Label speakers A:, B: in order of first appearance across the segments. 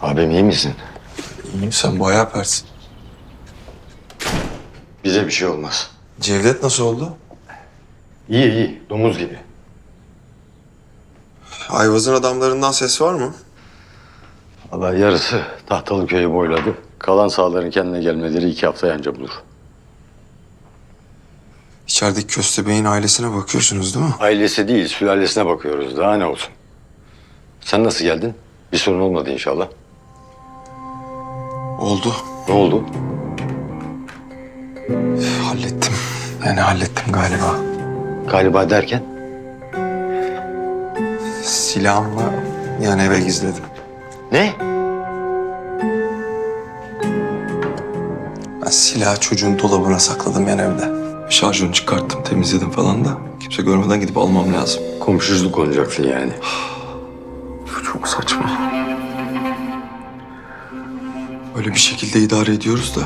A: Abim iyi misin?
B: İyiyim, sen bayağı persin.
A: Bize bir şey olmaz.
B: Cevdet nasıl oldu?
A: İyi iyi. Domuz gibi.
B: Ayvaz'ın adamlarından ses var mı?
A: Vallahi yarısı Tahtalı köyü boyladı. Kalan sağların kendine gelmeleri 2 hafta anca bulur.
B: İçerideki köstebeğin ailesine bakıyorsunuz değil mi?
A: Ailesi değil, sülalesine bakıyoruz. Daha ne olsun? Sen nasıl geldin? Bir sorun olmadı inşallah.
B: Oldu.
A: Ne oldu?
B: Hallettim. Yani hallettim galiba.
A: Galiba derken?
B: Silahımla yani eve gizledim.
A: Ne?
B: Ben silahı çocuğun dolabına sakladım yani evde. Şarjını çıkarttım, temizledim falan da. Kimse görmeden gidip almam lazım.
A: Komşuluk olacaksın yani.
B: Bu çok saçma. Öyle bir şekilde idare ediyoruz da.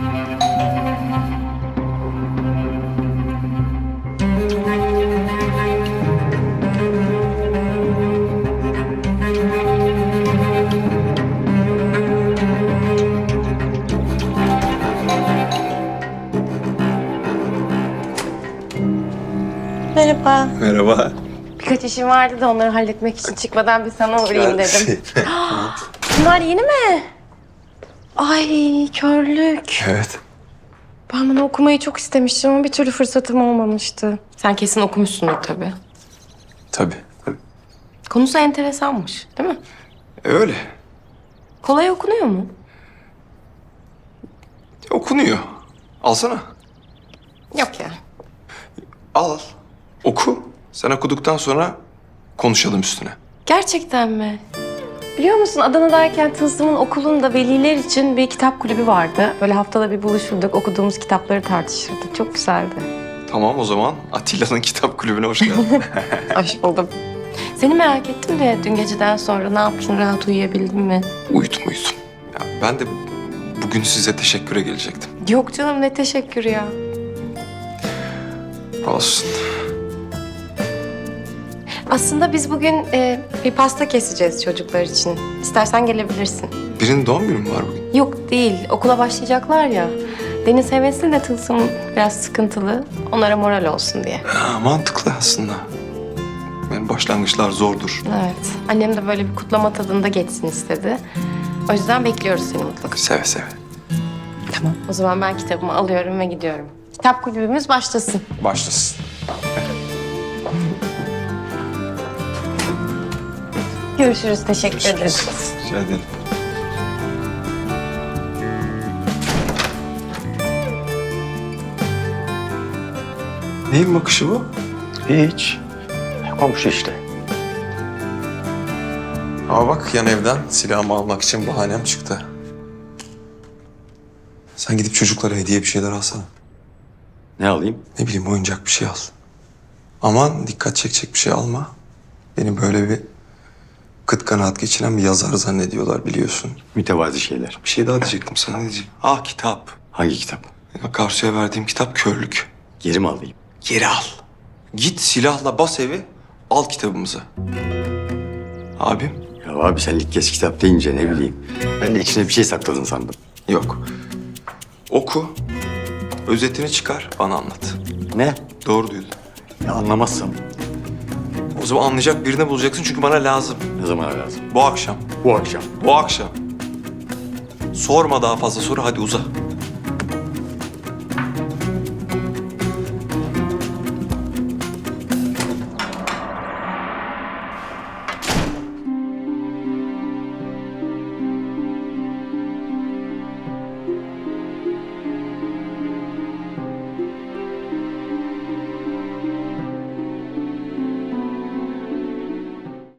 C: Merhaba.
B: Merhaba.
C: Birkaç işim vardı da onları halletmek için çıkmadan bir sana uğrayayım dedim. Bunlar yeni mi? Ay körlük.
B: Evet.
C: Ben bunu okumayı çok istemiştim ama bir türlü fırsatım olmamıştı. Sen kesin okumuşsundur tabii.
B: Tabii.
C: Konusu enteresanmış değil mi?
B: Öyle.
C: Kolay okunuyor mu?
B: Okunuyor. Alsana.
C: Yok ya.
B: Al. Oku. Sen okuduktan sonra konuşalım üstüne.
C: Gerçekten mi? Biliyor musun Adana'dayken Tılsım'ın okulunda veliler için bir kitap kulübü vardı. Böyle haftada bir buluşurduk, okuduğumuz kitapları tartışırdık. Çok güzeldi.
B: Tamam o zaman Atilla'nın kitap kulübüne hoş geldin.
C: Hoş buldum. Seni merak ettim de dün geceden sonra ne yaptın, rahat uyuyabildin mi?
B: Uyudum. Ya ben de bugün size teşekküre gelecektim.
C: Yok canım ne teşekkür ya.
B: Olsun.
C: Aslında biz bugün bir pasta keseceğiz çocuklar için. İstersen gelebilirsin.
B: Birinin doğum günü mü var bugün?
C: Yok değil, okula başlayacaklar ya. Deniz hevesli de Tılsım biraz sıkıntılı. Onlara moral olsun diye.
B: Ha, mantıklı aslında. Yani başlangıçlar zordur.
C: Evet. Annem de böyle bir kutlama tadında geçsin istedi. O yüzden bekliyoruz seni mutlaka.
B: Seve seve.
C: Tamam. O zaman ben kitabımı alıyorum ve gidiyorum. Kitap kulübümüz başlasın.
B: Başlasın.
C: Görüşürüz. Teşekkür ederiz.
B: Rica ederim. Neyin bakışı bu?
A: Hiç. Komşu işte.
B: Ama bak yan evden silahımı almak için bahanem çıktı. Sen gidip çocuklara hediye bir şeyler alsana.
A: Ne alayım?
B: Ne bileyim oyuncak bir şey al. Aman dikkat çekecek bir şey alma. Beni böyle bir kıt kanaat geçiren bir yazar zannediyorlar biliyorsun.
A: Mütevazi şeyler.
B: Bir şey daha diyecektim sana ne diyeceğim? Ah kitap.
A: Hangi kitap?
B: Akarsu'ya verdiğim kitap Körlük.
A: Geri mi alayım?
B: Geri al. Git silahla bas evi al kitabımızı. Abim?
A: Ya abi sen ilk kez kitap deyince ne bileyim. Ben de içine bir şey sakladın sandım.
B: Yok. Oku. Özetini çıkar bana anlat.
A: Ne?
B: Doğru duydun.
A: Ya anlamazsam
B: O zaman anlayacak birini bulacaksın çünkü bana lazım.
A: ne zamana lazım?
B: Bu akşam.
A: Bu akşam.
B: Bu akşam. Sorma daha fazla soru hadi uza.